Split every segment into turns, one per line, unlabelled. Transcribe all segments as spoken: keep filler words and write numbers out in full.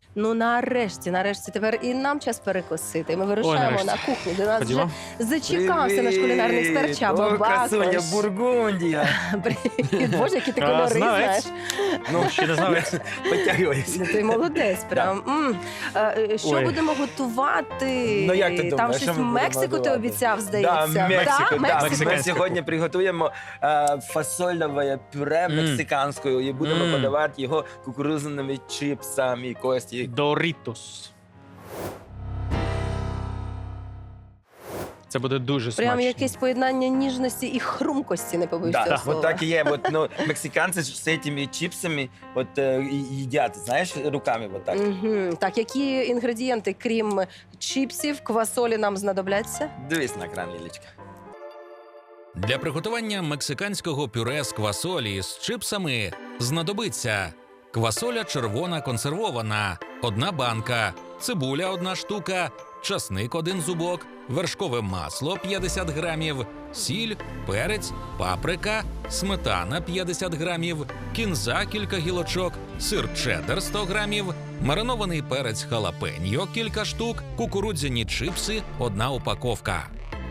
Ну нарешті, нарешті тепер і нам час перекусити. Ми вирушаємо
Ой,
на кухню. До нас
Ходімо.
вже зачекався наш кулінарний експерт Чаба
О, красуня,
Бакош.
Бургундія.
Привіт, Боже, які ти
А,
кольори
знавець.
знаєш.
Ну, ще не знавець.
Потягуйся.
Ну, ти молодець, прям. М. Е, Що
Ой.
будемо готувати?
Ну, як ти думаєш,
Там
що
щось
ми будемо
Мексику ти
готувати?
обіцяв, здається.
Да, Мексику,
Да,
да.
Мексику.
Ми сьогодні приготуємо е, фасольове пюре
Мм.
мексиканською і будемо
Мм.
подавати його кукурудзяними чипсами, Кості.
Дорітос. Це буде дуже смачно.
Прям якесь поєднання ніжності і хрумкості, не побоюсь
Да,
цього
вот
слова.
так и є. Вот, ну, мексиканці з цими чипсами вот, е, і- їдять, знаєш, руками вот так.
Мгм. Так, які інгредієнти, крім чіпсів, квасолі нам знадобляться?
Дивись на екран, Лілечка.
Для приготування мексиканського пюре з квасолі з чипсами знадобиться квасоля червона консервована – одна банка, цибуля – одна штука, часник – один зубок, вершкове масло – п'ятдесят грамів, сіль, перець, паприка, сметана – п'ятдесят грамів, кінза – кілька гілочок, сир чеддер – сто грамів, маринований перець халапеньо – кілька штук, кукурудзяні чипси – одна упаковка.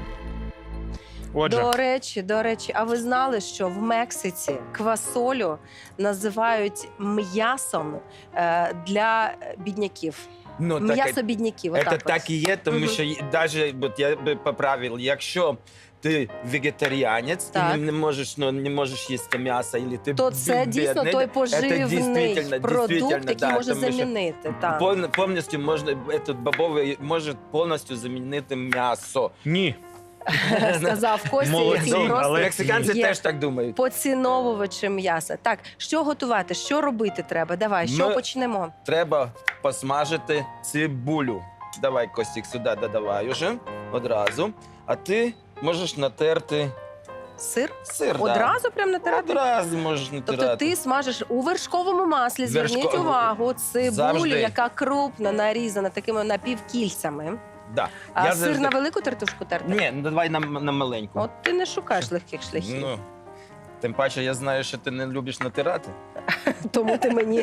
Отже,
До речі, до речі, а ви знали, що в Мексиці квасолю називають м'ясом е, для бідняків?
Ну, так,
М'ясо бідняків.
це
отак
так
от.
і є, тому
Мгм.
що навіть, от я би поправив, якщо ти вегетаріанець
Так.
і не, не можеш, ну, не можеш їсти м'ясо, або ти
То це дійсно
бідний,
той
це
поживний
дійсно,
продукт,
дійсно,
який
да,
може
тому що
замінити. Так.
пов- повністю можна, этот бобовий може повністю замінити м'ясо.
ні.
Сказав Костя,
Молодці,
який просто
але-
Мексиканці
є
теж так думають.
поціновувачем м'яса. Так, що готувати, що робити треба? Давай, що
Ми-
почнемо?
Треба посмажити цибулю. Давай, Костік, сюди додавай уже одразу. А ти можеш натерти
Сир?
сир. да.
Одразу прям натирати?
Одразу можеш натирати.
Тобто ти смажиш у вершковому маслі, зверніть
Вершко-
увагу, цибулю,
Завжди.
яка крупно нарізана такими напівкільцями.
Да.
А
Я
сир
завжди-
на велику тертушку терти?
Ні, ну давай на, на маленьку.
От ти не шукаєш легких шляхів,
Ну, тим паче, я знаю, що ти не любиш натирати.
тому ти мені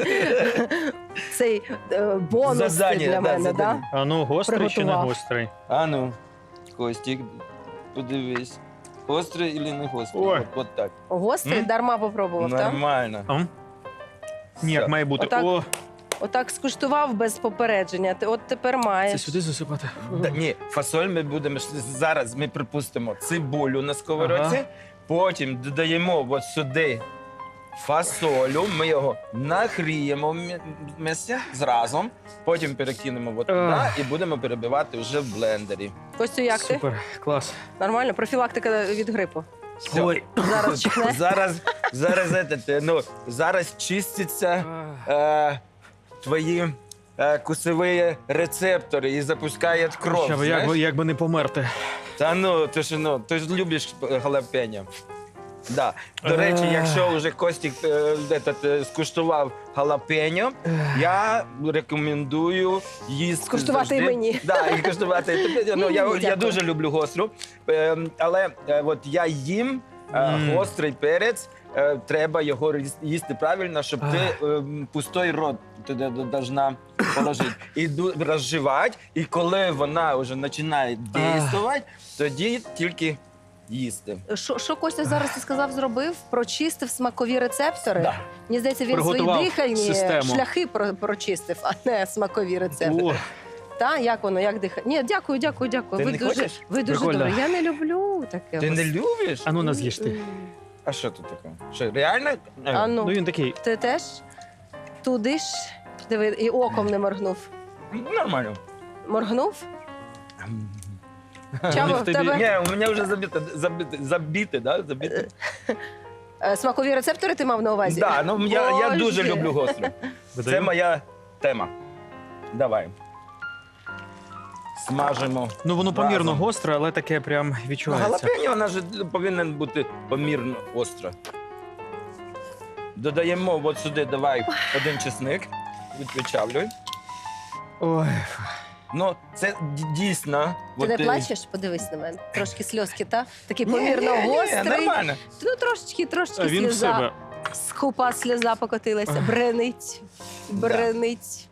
цей е, бонус ти
Завдання,
для
да,
мене, да?
завдання.
А ну, гострий чи не
Приготував.
гострий?
А ну, Костік, подивись. Гострий чи не гострий?
Ой.
От, от так.
Гострий,
М?
дарма попробував, так?
Нормально.
Ам? Ні, як
Все.
має бути.
Отак.
О,
Отак скуштував без попередження, ти от тепер
це
маєш.
сюди засипати.
Да, ні, фасоль ми будемо ж- зараз. Ми припустимо цибулю на сковородці,
Ага.
потім додаємо от сюди фасолю. Ми його нагріємо м'я- м'ясо зразу, потім перекинемо от туди
Ах.
і будемо перебивати вже в блендері.
Костю, як ти?
Супер, клас.
Нормально? Профілактика від грипу.
Все.
Ой.
Зараз чихне?
Зараз, зараз, этот, ну, зараз чистяться е, твої е, кусові рецептори і запускає кров.
Ща,
знаєш?
як, би- як би не померти.
Та ну, ти ж ну, ти ж любиш галапеньо. Да. До речі,
Ех.
якщо вже Костік е, этот, е, скуштував галапеньо, я рекомендую їсти.
Скуштувати
завжди.
і мені.
Да, і скуштувати. Тобі, ну,
Ні,
я,
ні,
я
дякую.
дуже люблю гостру, е, але е, от я їм е,
Мм.
гострий перець, е, треба його різ- їсти правильно, щоб ти е, пустой рот туди должна положити. І ду- розживати, і коли вона вже починає дійствувати, тоді тільки їсти.
Що, що Костя зараз ти сказав, зробив? Прочистив смакові рецептори?
Да.
Мені здається, він свої
Приготував
дихальні
систему.
шляхи про- прочистив, а не смакові рецептори.
О,
Та, як воно, як дихає? Ні, дякую, дякую, дякую.
Ти
ви
не
дуже,
хочеш?
ви дуже
Прикольно.
добре. Я не люблю таке.
Ти не любиш?
а ну нас з'їж ти.
М.
А що тут таке? Що, реально?
А ну,
Ну він такий.
ти теж туди ж? Диви, і оком не моргнув.
Нормально.
Моргнув? Чаба,
в
в
тобі-
тебе
Ні, у мене вже забите, забите, забите, да? Забите.
е, смакові рецептори ти мав на увазі?
Да, ну я, я
Боже.
дуже люблю гостру. Це
Видаю.
моя тема. Давай. Смажимо.
Ну воно помірно
разом.
гостре, але таке прям
Ну,
відчувається.
галапеньо, вона ж повинна бути помірно остра. Додаємо от сюди, давай, один чесник. Відпечавлюй.
Ой.
Ну, це д- дійсно.
Ти
от,
не
е,
плачеш? Подивись на мене. Трошки сльозки, та? Такий
ні,
помірно
ні, ні,
гострий.
Нормально.
Ну, трошечки, трошечки
А він в
сльоза.
себе.
Скупа сльоза покотилася. Бренить, бренить.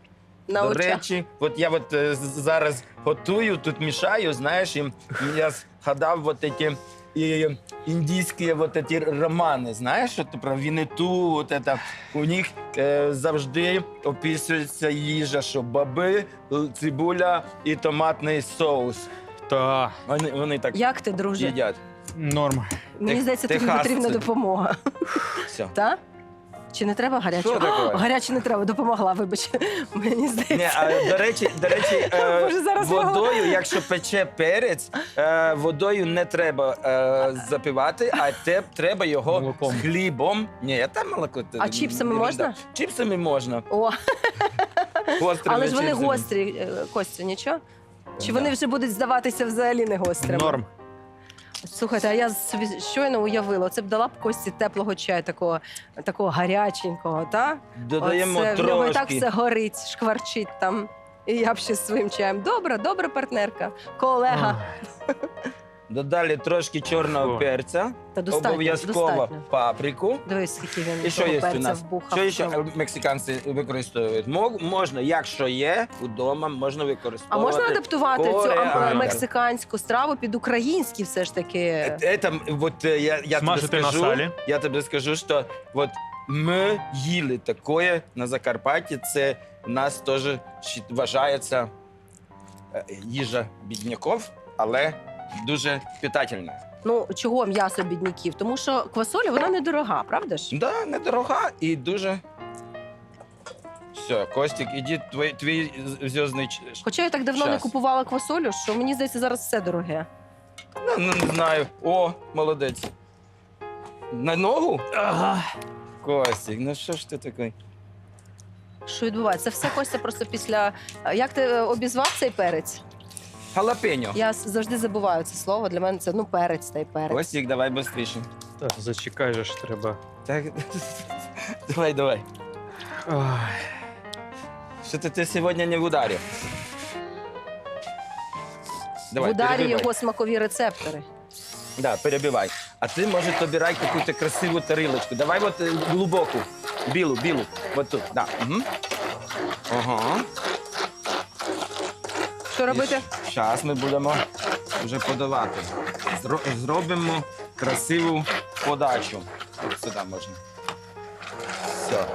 На
До
очах.
речі, от я от е, з- зараз готую, тут мішаю, знаєш, і я згадав от ці і індійські от ці романи, знаєш, от про Вінету, от це, у них е, завжди описується їжа, що баби, л- цибуля і томатний соус.
Та
Вони, вони так
Як ти, друже?
їдять.
норм.
Мені
Тех-
здається, тобі
техасці.
потрібна допомога.
Все.
Так? Чи не треба гарячого?
Що таке?
О, гаряче не треба, допомогла, вибач. Мені
Ні,
здається.
а, до речі, до речі, е,
Боже, зараз
водою, якщо пече перець, е, водою не треба е, запивати, а те, треба його
Молоком.
з хлібом. Ні, там молоко. це
А чіпсами
ерунда.
можна?
Чіпсами можна.
О,
Гострими
але ж вони
чіпсами.
гострі, е, Костю, нічого? Чи
Да.
вони вже будуть здаватися взагалі не гострими?
Норм.
Слухайте, а я собі щойно уявила, це б дала б Кості теплого чаю, такого, такого гаряченького, так?
Додаємо
Оце, в нього і так
трошки.
все горить, шкварчить там. І я б ще з своїм чаєм. Добра, добра партнерка, колега.
Ах,
Додали трошки чорного
Фу.
перця,
Та достатньо,
обов'язково
достатньо.
паприку.
Дивись, скільки він
І що
того
є у
перця
нас?
вбухав.
Що ще е, мексиканці використовують? Мог- Можна, якщо є вдома, можна
А
використовувати.
можна адаптувати цю а,
кореандр.
мексиканську страву під українські все ж таки?
Е- Это, вот е, я, я
Смажити
тобі
на
скажу,
салі.
я тобі скажу, що вот ми їли таке на Закарпатті, це в нас теж щ- вважається е, їжа бідняків, але дуже питательна.
Ну, чого м'ясо бідняків? Тому що квасоля, вона недорога, правда ж?
Да, недорога і дуже. Все, Костік, іди твій, твій зв'язний ч-
Хоча я так давно не
Щас.
купувала квасолю, що мені здається, зараз все дороге.
Ну, ну, не знаю. О, молодець. На ногу?
Ага.
Костік, ну що ж ти такий?
Що відбувається? Це все Костя просто після. А Як ти е, обізвав цей перець?
Халапеньо.
Я с- завжди забуваю це слово. Для мене це ну перець та й перець.
Костік, давай швидше.
Так, зачекай же ж треба.
Так, давай, давай.
Ой.
Что-то ты сегодня не в ударе. Давай,
В ударі
перебивай.
його смакові рецептори.
Да, перебивай. А ты, может, обирай какую-то красивую тарелочку. Давай вот э, глубокую. Білу, білу. Вот тут, да. Угу. Ага.
Що робити?
Зараз ми будемо вже подавати. Зро- Зробимо красиву подачу. От сюди можна. Все.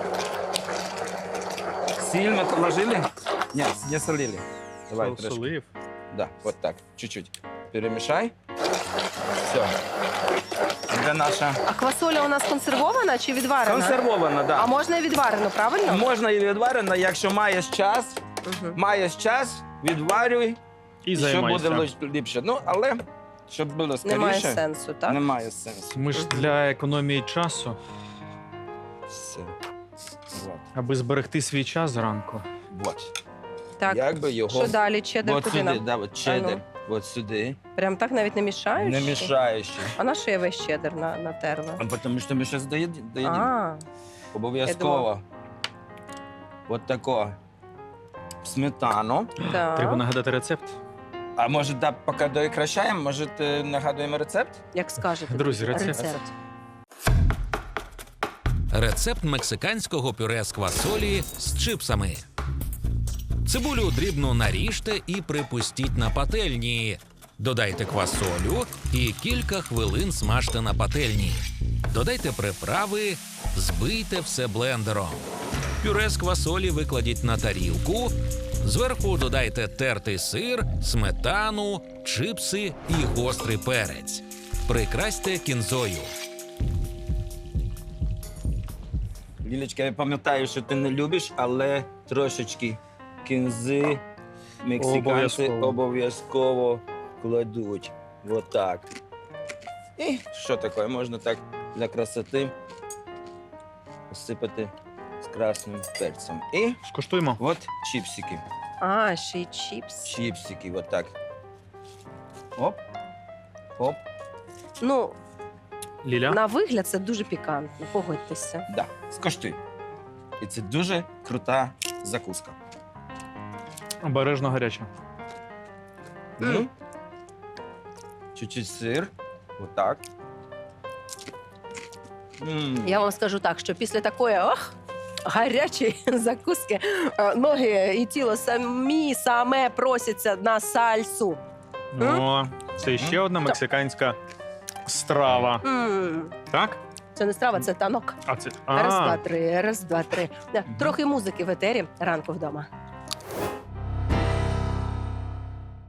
Сіль ми положили? Ні, не солили. Давай трошки.
Солив.
Да, вот так, чуть-чуть. Перемешай. Все. Це наша
А квасоля у нас консервована чи відварена?
консервована, да.
А можна і відварену, правильно?
Можна і відварена, якщо маєш час,
Угу.
маєш час, відварюй,
І
що
займайся.
буде лиш- ліпше. Ну, але щоб було скоріше,
Немає сенсу, так?
немає сенсу.
Ми ж для економії часу,
Все. Вот.
аби зберегти свій час зранку.
Вот.
Так.
Якби його
Що далі? Чеддер
от
куди
сюди,
нам?
да, от чеддер,
А ну.
от сюди,
Прям так навіть не мішаєш?
не мішаючи.
А на що я весь чеддер на, натерла?
А тому що ми зараз доїдемо.
А,
Обов'язково. От тако. Сметану.
так.
Треба нагадати рецепт.
А може, да, поки докращаємо, може, е, нагадуємо рецепт?
Як скажете.
Друзі, рецепт.
Рецепт.
Рецепт мексиканського пюре з квасолі з чипсами. Цибулю дрібно наріжте і припустіть на пательні. Додайте квасолю і кілька хвилин смажте на пательні. Додайте приправи, збийте все блендером. Пюре з квасолі викладіть на тарілку. Зверху додайте тертий сир, сметану, чипси і гострий перець. Прикрасьте кінзою.
Лілечка, я пам'ятаю, що ти не любиш, але трошечки кінзи мексиканці
Обов'язково.
обов'язково кладуть. Вот так. І що таке? Можна так для красоти посипати з красним перцем. І
Скуштуємо.
от чіпсики.
А, ще й чіпс.
Чіпсики, вот так. Оп. Оп.
Ну,
Ліля.
на вигляд це дуже пікантно, погодьтеся.
Да, скоштуй. І це дуже крута закуска.
Обережно гаряче.
Мм.
М. Чуть-чуть сир. Вот так. М.
Я вам скажу так, що після такої ох, гарячі закуски. Е, Ноги і тіло самі саме просяться на сальсу.
О, це ще одна мексиканська страва.
М,
Так?
Це не страва, це танок.
А це
Раз, два,
а,
три, раз, два, три. Да, Трохи музики в етері ранку вдома.